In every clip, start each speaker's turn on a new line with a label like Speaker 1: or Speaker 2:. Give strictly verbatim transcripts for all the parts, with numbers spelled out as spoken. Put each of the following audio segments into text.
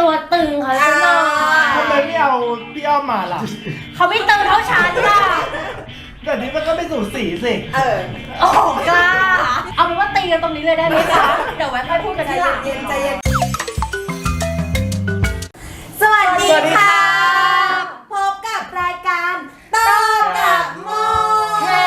Speaker 1: ตัวตึงเขาซะหน่อย
Speaker 2: ทำไมไม่เอาพี่อ้อมมาล่ะ
Speaker 1: เขาไม่ตึงเท่าฉันล่ะ
Speaker 2: แบบนี้มันก็ไม่สูสีสิ
Speaker 3: เออ
Speaker 1: โอ้กล้าเอาเป็นว่าตีกันตรงนี้เลยได้ไหมคะเดี๋ยวไว้ค่อยพูดกันทีหลัง
Speaker 3: ใจเย็นใจเย็นสวัสดีค่ะพบกับรายการโต้กับโมเฮ้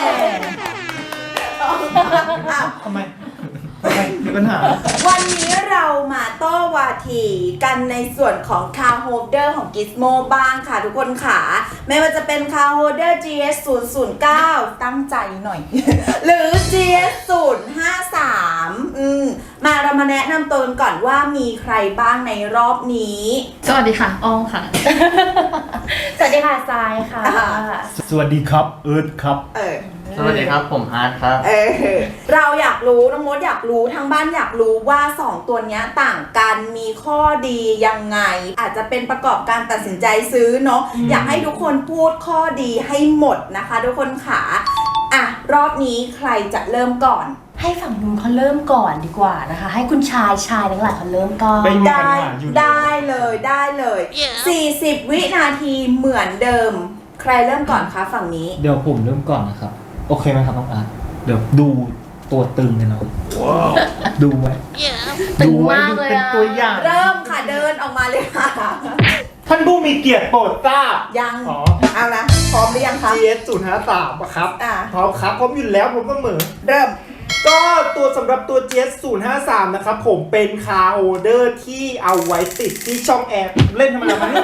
Speaker 2: ทำไมทำไมมีปัญหา
Speaker 3: วันนี้เรามาโต้วาทีกันในส่วนของคาร์โฮลเดอร์ของ Gizmo บ้างค่ะทุกคนค่ะไม่ว่าจะเป็นคาร์โฮลเดอร์ จี เอส ศูนย์ ศูนย์ เก้า ตั้งใจหน่อย หรือ จี เอส ศูนย์ ห้า สาม อืมมาเรามาแนะนำตัวกันก่อนว่ามีใครบ้างในรอบนี้
Speaker 1: สวัสดีค่ะอ้อมค่ะ สวัสดีค่ะทรายค่ะ
Speaker 2: สวัสดีครับเอิร์ธครับ
Speaker 3: เออ
Speaker 4: สวัสดีครับผมอาร์ตครับ
Speaker 3: เออเราอยากรู้น้องมดอยากรู้ทางบ้านอยากรู้ว่าสองตัวนี้ต่างกันมีข้อดียังไงอาจจะเป็นประกอบการตัดสินใจซื้อเนาะอยากให้ทุกคนพูดข้อดีให้หมดนะคะทุกคนขาอ่ะรอบนี้ใครจะเริ่มก่อน
Speaker 1: ให้ฝั่งนู้นเขาเริ่มก่อนดีกว่านะคะให้คุณชายชายทั้งหลายเขาเริ่มก่อน
Speaker 3: ได้ได้เลยได้เลยสี่สิบวินาทีเหมือนเดิมใครเริ่มก่อนคะฝั่งนี้
Speaker 4: เดี๋ยวผมเริ่มก่อนนะครับโอเคไหมครับน้องอาร์ตเดี๋ยวดูตัวตึงกันเนาะดูไว้
Speaker 1: ตึงมากเลย
Speaker 2: เป็นตัวอย่าง
Speaker 3: เริ่มค่ะเดินออกมาเลยค่ะ
Speaker 2: ท่านผู้มีเกียรติโปรดทราบ
Speaker 3: ยังเอาละพร้อมหรือยังคะ
Speaker 2: จี เอส ศูนย์ ห้า สาม ครับพร้อมครับพร้อมอยู่แล้วผมก็เหมือน
Speaker 3: เริ่ม
Speaker 2: ก็ตัวสำหรับตัว จี เอส ศูนย์ ห้า สาม นะครับผมเป็นคาร์โฮลเดอร์ที่เอาไว้ติดที่ช่องแอร์เล่นทำไมล่ะมัน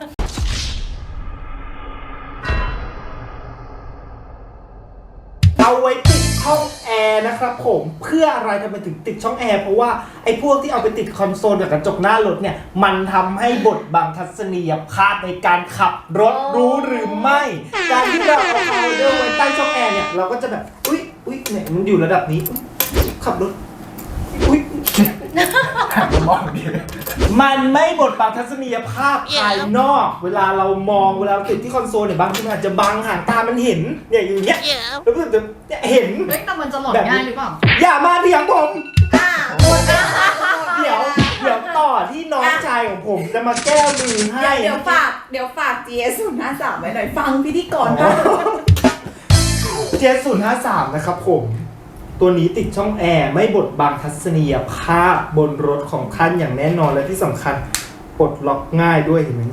Speaker 2: เอาไว้ติดช่องแอร์นะครับผมเพื่ออะไรทำไมถึงติดช่องแอร์เพราะว่าไอ้พวกที่เอาไปติดคอนโซลกับกระจกหน้ารถเนี่ยมันทำให้บดบังทัศนียภาพในการขับรถรู้หรือไม่การที่เราเอาคาร์โฮลเดอร์ไว้ใต้ช่องแอร์เนี่ยเราก็จะแบบอุ๊ยอุ๊ยเนี่ยมันอยู่ระดับนี้ขับรถอุ๊ยมองดีมันไม่บดบังทัศนียภาพภายนอกเวลาเรามองเวลาติดที่คอนโซลเนี่ยบางทีมันอาจจะบังหางตามันเห็นเนี่ยอย่างเงี้ยแล้วก็จะเห็น
Speaker 1: เฮ้ยแต่มันจะหลอนง่ายหรือเปล่า
Speaker 2: อย่ามาเถียงผมเดี๋ยวเดี๋ยวต่อที่น้องชายของผมจะมาแก้มือให้
Speaker 3: เดี๋ยวฝากเดี๋ยวฝาก จี เอส ศูนย์ ห้า สาม ไว้หน่อยฟังพิธีกรก่อน
Speaker 2: จี เอส ศูนย์ ห้า สาม นะครับผมตัวนี้ติดช่องแอร์ไม่บดบังทัศนียภาพบนรถของท่านอย่างแน่นอนและที่สำคัญปลดล็อกง่ายด้วยเห็นไหม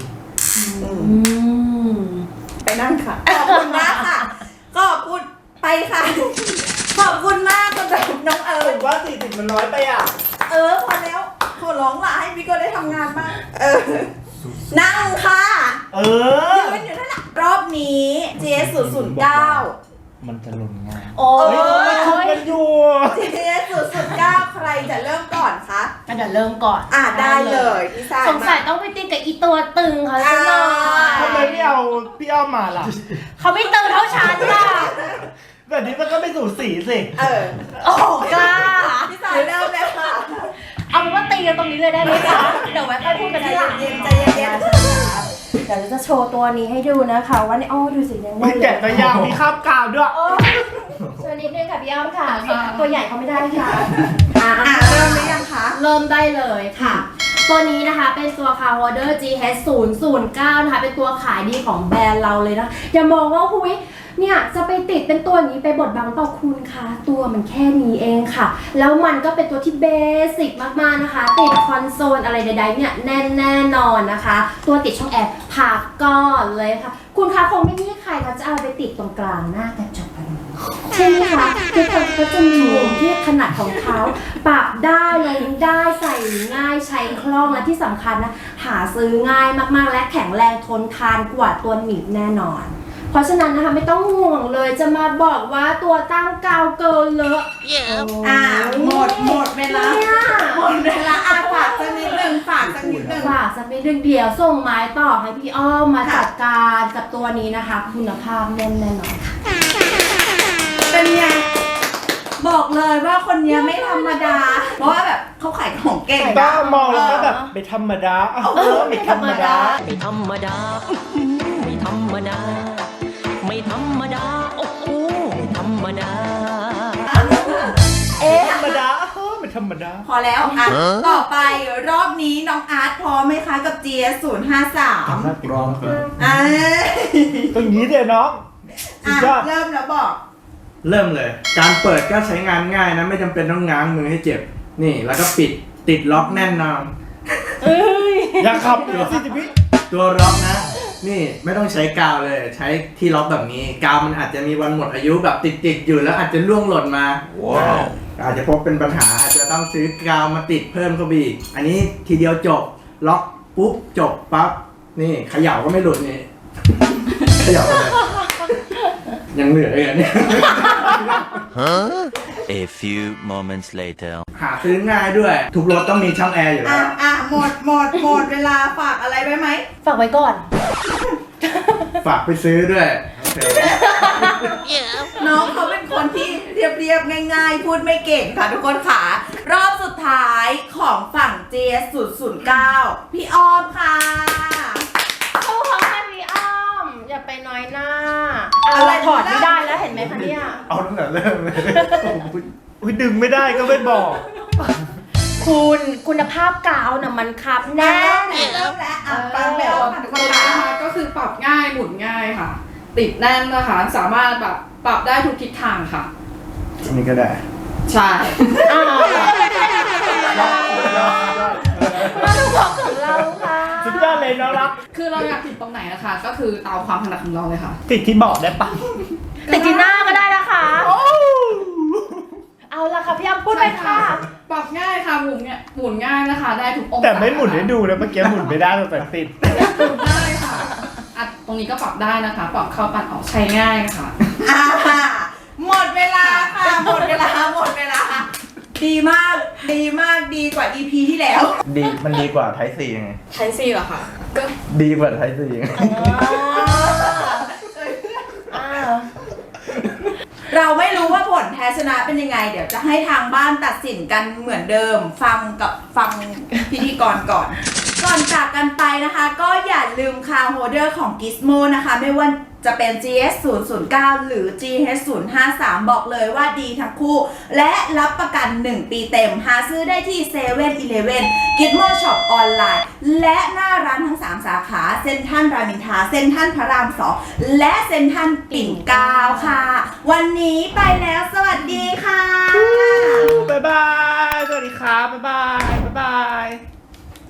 Speaker 3: ไปนั่งค่ะขอบคุณมากค่ะก็พูดไปค่ะขอบคุณมากสำหรับน้องเอิร์ธ
Speaker 2: ว่าสี่สิบมันน้อยไปอ่ะ
Speaker 3: เออพอแล้วขอร้องละให้พี่ก็ได้ทำงานบ้างเออนั่งค่ะ
Speaker 2: เออ
Speaker 3: ยืนอยู่นั่นแหละรอบนี้ จี เอส ศูนย์ ศูนย์ เก้า
Speaker 4: มันจะหล่นง่าย
Speaker 2: โอ้ยมันชุบกันอยู่
Speaker 3: จี เอส ศูนย์ ศูนย์ เก้า ใครจะเริ่มก่อนคะ
Speaker 1: เดี๋ยวเริ่มก่อน
Speaker 3: อ่ะได้เลยพี่สาย
Speaker 1: สงสัยต้องไปติดกับอีตัวตึงเขาซะหน่อย
Speaker 2: ทำไมไม่เอาพี่อ้อมมาล่ะ
Speaker 1: เขาไม่ตึงเท่าฉันล่ะ
Speaker 2: แบบนี้มันก็ไม่สูสีสิ
Speaker 3: เออ
Speaker 1: โอ้กล้า
Speaker 3: พี่สายเริ่มเลยค่ะ
Speaker 1: เอาเป็นว่าตีกันตรงนี้เลยได้ไหมคะเดี๋ยวไว้ค่อยพูดกันทีหลัง
Speaker 3: เย็นใจเย็น
Speaker 1: เดี๋ยวเราจะโชว์ตัวนี้ให้ดูนะคะว่าในอ้อดูสิยังไง
Speaker 2: มีแกะตัวยาวมีคาบกาวด้วย
Speaker 1: เชิญนิดนึงค่ะพี่อ้อมค่ะตัวใหญ่เขาไม่ได้ค่ะ
Speaker 3: อ่าเริ่มหรือยังคะ
Speaker 1: เริ่มได้เลยค่ะตัวนี้นะคะเป็นตัว Car Holder จี เอส ศูนย์ ศูนย์ เก้า นะคะเป็นตัวขายดีของแบรนด์เราเลยนะอย่ามองว่าคุยเนี่ยจะไปติดเป็นตัวนี้ไปบดบังต่อคุณคะตัวมันแค่นี้เองค่ะแล้วมันก็เป็นตัวที่เบสิกมากๆนะคะติดคอนโซลอะไรใดๆเนี่ยแน่นแน่นอนนะคะตัวติดช่องแอร์พักก่อนเลยค่ะคุณคะคงไม่มีใครเขาจะเอาไปติดตรงกลางหน้ากระจกกันใช่ไหมคะคือเขาก็จะมีมุมที่ถนัดของเขาปรับได้ลงได้ใส่ง่ายใช้คล่องและที่สำคัญนะหาซื้อง่ายมากๆและแข็งแรงทนทานกว่าตัวหนีบแน่นอนเพราะฉะนั้นนะคะไม่ต้องห่วงเลยจะมาบอกว่าตัวตั้งกาวเกินเลอะ
Speaker 3: อ่าหมดหมดเวลาหมดเวลาอ่ะฝากสักนิดนึงฝากสักนิดนึง
Speaker 1: ฝากสักนิดนึงเดี๋ยวส่งไม้ต่อให้พี่อ้อมมาจัดการกับตัวนี้นะคะคุณภาพแน่นแน่นอนค่ะ
Speaker 3: เป็นไงบอกเลยว่าคนนี้ไม่ธรรมดาเพราะว่าแบบเขาขายของเก่ง
Speaker 2: ก็มองแล้วก็แบบไม่ธรรมดาเออไม่ธรรมดา
Speaker 5: ไม่ธรรมดาไม่ธรรมดาไม่ธรรมดาโอ้โหไม่ธรรมดา
Speaker 2: เอ๊ะธรรมดาเออไม่ธรรมดา
Speaker 3: ขอแล้วอ่ะต่อไปรอบนี้น้องอาร์ตพร้อมไหมคะกับ จี เอส ศูนย์ห้าสาม
Speaker 4: รอครับ
Speaker 3: อ่า
Speaker 2: ตรงนี้เดี๋ยวน้องสุ
Speaker 3: อ่ะ
Speaker 2: ดยอด
Speaker 3: เริ่มแล้วบอก
Speaker 6: เริ่มเลย การเปิดก็ใช้งานง่ายนะไม่จำเป็นต้องง้างมือให้เจ็บ นี่แล้วก็ปิดติดล็อกแน่นนอน
Speaker 2: อยากขับอยู่สิจิพี่
Speaker 6: ตัวล็อกนะ นี่ไม่ต้องใช้กาวเลย ใช้ที่ล็อกแบบนี้ กาวมันอาจจะมีวันหมดอายุแบบติดๆอยู่แล้วอาจจะร่วงหล่นมาว้าวอาจจะพบเป็นปัญหาอาจจะต้องซื้อกาวมาติดเพิ่มเข้าไปอีกอันนี้ทีเดียวจบล็อกปุ๊บจบปั๊บนี่เขย่าก็ไม่หลุดนี่ เขย่าไปเลย ยังเหลืออีกอันเนี่ย
Speaker 7: A few moments later.
Speaker 6: หาซื้อง่ายด้วย ทุกรถต้องมีช่องแอร์อยู่
Speaker 3: อ่ะ
Speaker 6: แล้ว
Speaker 3: อ่ะหมดหมดหมดเวลาฝากอะไรไว้ไหม
Speaker 1: ฝากไว้ก่อน
Speaker 6: ฝากไปซื้อด้วยโอเค
Speaker 3: น้องเขาเป็นคนที่เรียบๆง่ายๆ พูดไม่เก่งค่ะทุกคนค่ะ รอบสุดท้ายของฝั่ง จี เอส ศูนย์ ศูนย์ เก้า พี่ออมค่ะ
Speaker 1: โอ้โหพี่อ้อม อย่าไปน้อยหน้าอะไรถอดไม่ได้แล้วเห็นไหมคะเนี่ย
Speaker 2: เอาตั้งแต่เริ่มเลยอุ้ยดึงไม่ได้ก็ไม่บอก
Speaker 1: คุณคุณภาพกาวน่ะมันคับแน่
Speaker 3: เริ่มแล้วเริ่มแล้วอ่ะฟังไม่ออกค่ะทุกค
Speaker 8: ตั
Speaker 3: น
Speaker 8: วนี้
Speaker 3: ค่ะ
Speaker 8: นะคะก็คือปรับง่ายหมุนง่ายค่ะ ติดแน่นนะคะสามารถแบบปรับได้ทุกทิศทางค่ะ
Speaker 6: อันนี้ก็ได้
Speaker 8: ใช่
Speaker 1: อ้าวมาดูของของเราค่ะ
Speaker 2: สุดยอดเลยน้องรัก
Speaker 8: คือเราอยากติดตรงไหนนะคะ ก็คือตามความถนัดของเราเลยค่ะ
Speaker 2: ติดที่บอกได้ปะ
Speaker 1: ติดที่หน้าก็ได้นะคะเอาละค่ะพี่อ้อมพูดไปค่ะ
Speaker 8: ปรับง่ายค่ะหมุนเนี่ยหมุนง่ายนะคะ ได้ทุกองศา
Speaker 2: แต่ไม่หมุนให้ดูนะเมื่อกี้หมุนไม่ได้แต่ติด
Speaker 8: หมุนได้ค่ะอ่ะตรงนี้ก็ปรับได้นะคะ ปรับเข้าปัดออกใช้ง่ายค่ะ
Speaker 3: อ่าหมดเวลาค่ะ หมดเวลา หมดเวลา ดีมาก ดีมาก ดีกว่า อี พี ที่แล้ว
Speaker 6: ดีมันดีกว่าไทซียังไง
Speaker 8: ใช้ซีเหรอคะก็
Speaker 6: ดีกว่าไทซียังไง
Speaker 1: อ้าว
Speaker 3: เราไม่รู้ว่าผลแพ้ชนะเป็นยังไง เดี๋ยวจะให้ทางบ้านตัดสินกันเหมือนเดิม ฟังกับฟังพิธีกรก่อน ก่อนจากกันไปนะคะ ก็อย่าลืมคาร์โฮเดอร์ของ Gizmo นะคะ ไม่ว่าจะเป็น จี เอส ศูนย์ ศูนย์ เก้า หรือ จี เอส ศูนย์ ห้าสาม บอกเลยว่าดีทั้งคู่ และรับประกัน หนึ่ง ปีเต็ม หาซื้อได้ที่ เซเว่น อีเลฟเว่น Gizmo Shop ออนไลน์ และหน้าร้านทั้ง สาม สาขา เซ็นทรัลรามอินทราเซ็นทรัลพระราม สอง และเซ็นทรัลปิ่นเกล้าค่ะ วันนี้ไปแล้ว สวัสดีค่ะ
Speaker 2: บ๊ายบาย สวัสดีครับ บ๊ายบาย บ๊ายบาย